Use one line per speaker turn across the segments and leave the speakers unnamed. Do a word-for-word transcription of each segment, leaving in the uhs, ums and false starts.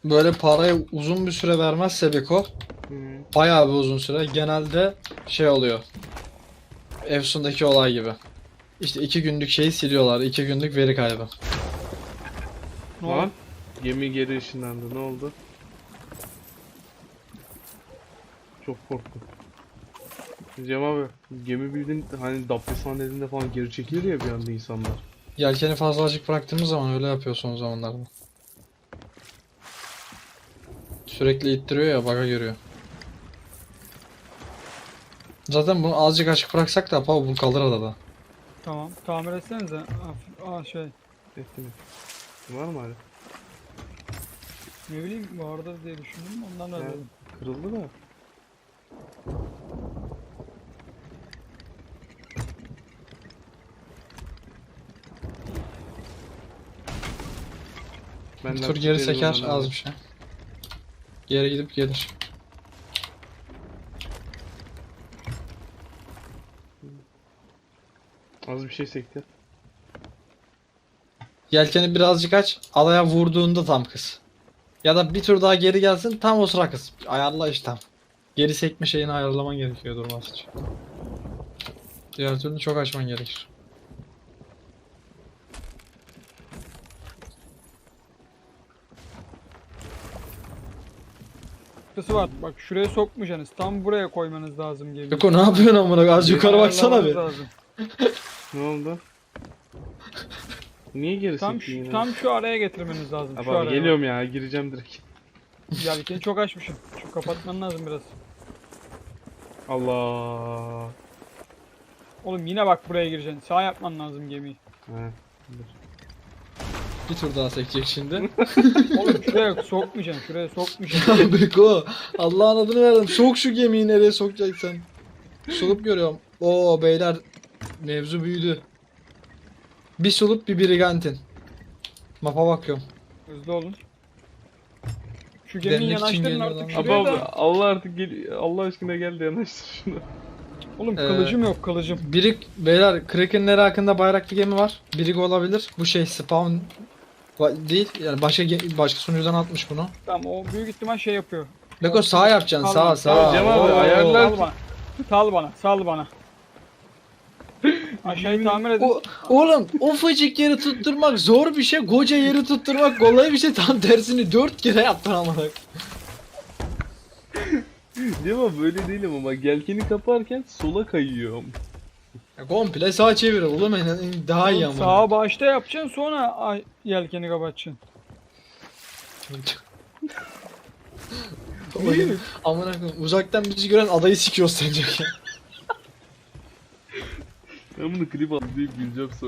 böyle parayı uzun bir süre vermezse Beko,
Hı.
bayağı bir uzun süre, genelde şey oluyor. Efsun'daki olay gibi. İşte iki günlük şeyi siliyorlar. iki günlük veri kaybı.
Ne
Lan
oldu?
gemi geri ışınlandı. Ne oldu? Çok korktum. Cem abi gemi bildiğin hani Dabbe sahnelerinde falan geri çekilir ya bir anda insanlar.
Yelkeni fazla açık bıraktığımız zaman öyle yapıyor son zamanlarda. Sürekli ittiriyor ya, bug'a giriyor. Zaten bunu azıcık açık bıraksak da apa bu kalır adada.
Tamam. Tamir etsenize. Hafif- Aa şey.
Etti mi? Var mı hala?
Ne bileyim vardır diye düşündüm. Ondan da
He,
dedim.
kırıldı da. Ben
Bir
de
tur geri
lastikleri
seker
bundan
az bir şey. Geri gidip gelir.
Az bir şey sekti.
Yelkeni birazcık aç, adaya vurduğunda tam kız. Ya da bir tur daha geri gelsin, tam o sıra kız. Ayarla işte tam. Geri sekme şeyini ayarlaman gerekiyor durması için. Diğer türlü çok açman gerekir.
Kısı var. Bak şuraya sokmayacaksınız. Tam buraya koymanız lazım gemiyi.
Beko ne yapıyorsun amına? Az yukarı baksana
Ayarlamanız
bir.
lazım.
Ne oldu? Niye geri
Tam
sekti
şu,
yine?
tam şu araya getirmeniz lazım.
Abi,
şu
abi
araya.
geliyorum ya, gireceğim direkt.
Yelkeni çok açmışım. Şu kapatman lazım biraz.
Allah.
Oğlum yine bak buraya gireceksin. Sağ yapman lazım gemiyi.
He. dur.
Bir tur daha sekecek şimdi.
Oğlum şuraya sokmayacaksın. Şuraya sokmayacaksın.
Beko, Allah'ın adını verdim. Sok şu gemiyi, nereye sokacaksın? Sulup görüyorum. Oo beyler, mevzu büyüdü. Bir sulup bir brigantin. Mapa bakıyorum.
Hızlı olun. Şu gemiyi
Demlik için
yanaştırın
geliyor
artık
lan.
Abi
şuraya
abi
da.
Allah artık gel, Allah aşkına gel de yanaştır şunu.
Oğlum
Ee,
kılıcım yok kılıcım.
Birik, beyler Kraken'leri hakkında bayraklı gemi var. Birik olabilir. Bu şey spawn va- değil. Yani başka ge- başka sunucudan atmış bunu.
Tamam o büyük ihtimal şey yapıyor.
Beko sağ yapacaksın,
Tamam,
sağ
tamam,
sağ.
Cem abi,
Oo.
ayarlar.
Sal bana. Sal bana. Sal bana. Aşağıyı tamir edin.
O, oğlum ufacık yeri tutturmak zor bir şey. Koca yeri tutturmak kolay bir şey. Tam tersini dört kere yaptın amına.
Değil mi? Böyle değilim ama gelkeni kaparken sola kayıyorum.
Ya komple sağa çevir oğlum, en, en- daha iyi ama.
Sağa başta yapacaksın sonra ay- yelkeni kapatacaksın.
Oğlum, amına koyayım, uzaktan bizi gören adayı sikiyor sence ya.
Ben bunu klip aldım deyip güleceğim sonra.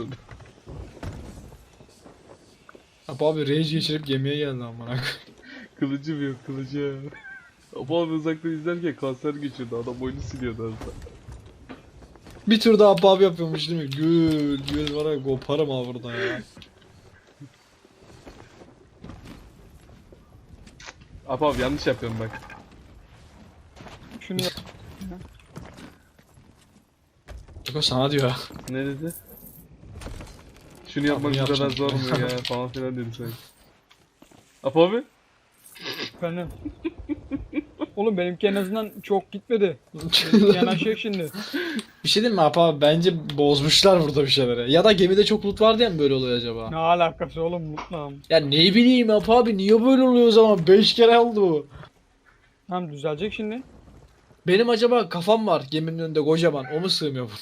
Abi, abi rage geçirip gemiye geldi amına koyayım.
Kılıcım yok, kılıcım. Ama abi uzaktan izlerken kanser geçirdi. Adam boynu siliyordu az da.
Bir tur daha pub yapıyormuş değil mi? Gül gül var ya, koparım ha burada ya.
Abi abi yanlış yapıyorum bak.
Şunu yap.
Beko sana diyor.
Ne dedi? Şunu yapmak
bunu
bu kadar
yapacağım.
zor mu ya falan filan dedi sanki. Apo abi?
Efendim. Oğlum benimki en azından çok gitmedi. Benimki yanaşacak şimdi.
Bir şey diyeyim mi Apa abi? Bence bozmuşlar burada bir şeyleri. Ya da gemide çok loot var diye mi böyle oluyor acaba?
Ne alakası oğlum mutlu.
Ya ne bileyim Apa abi, niye böyle oluyor o zaman? beş kere oldu bu.
Tamam düzelecek şimdi.
Benim acaba kafam var geminin önünde kocaman. O mu sığmıyor bu?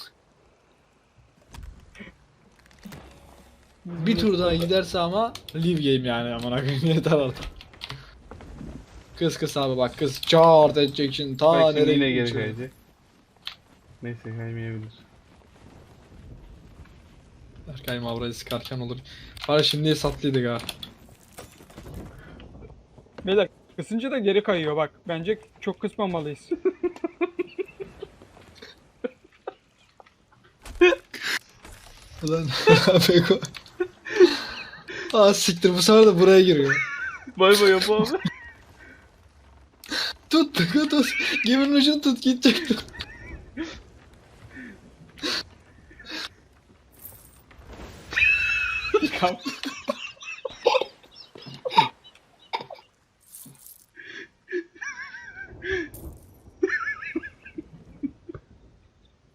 Bir tur daha giderse ama live game yani, amına koyayım, yeter artık. Kız kız abi bak, kız çağırt edecek şimdi, ta
Bak şimdi
nereye
yine geri
gidecek?
kayacak. Neyse kaymayabilir.
Berkay Mavra'yı sıkarken olur. Bari şimdi satlıydık ha.
Beyler kısınca da geri kayıyor bak. Bence çok kısmamalıyız.
Ulan Beko. Aa siktir, bu sefer de buraya giriyor.
Bay bay Apo abi.
Tut Beko tut. Geminin ucunu tut, gidecek tut.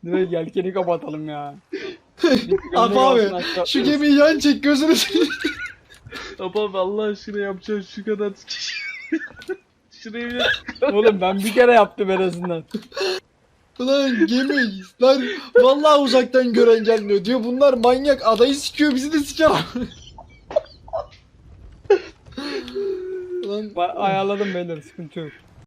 Direkt yelkeni kapatalım ya.
Abi abi şu gemiyi yan çek gözünü seveyim.
Abi abi Allah aşkına yapacağım şu kadar. Şuraya bile
Oğlum ben bir kere yaptım en azından.
Ulan gemi lan vallahi uzaktan gören gelmiyor diyor. Bunlar manyak adayı sikiyor bizi de siker. Lan
Ba- Ayarladım beyler sıkıntı yok.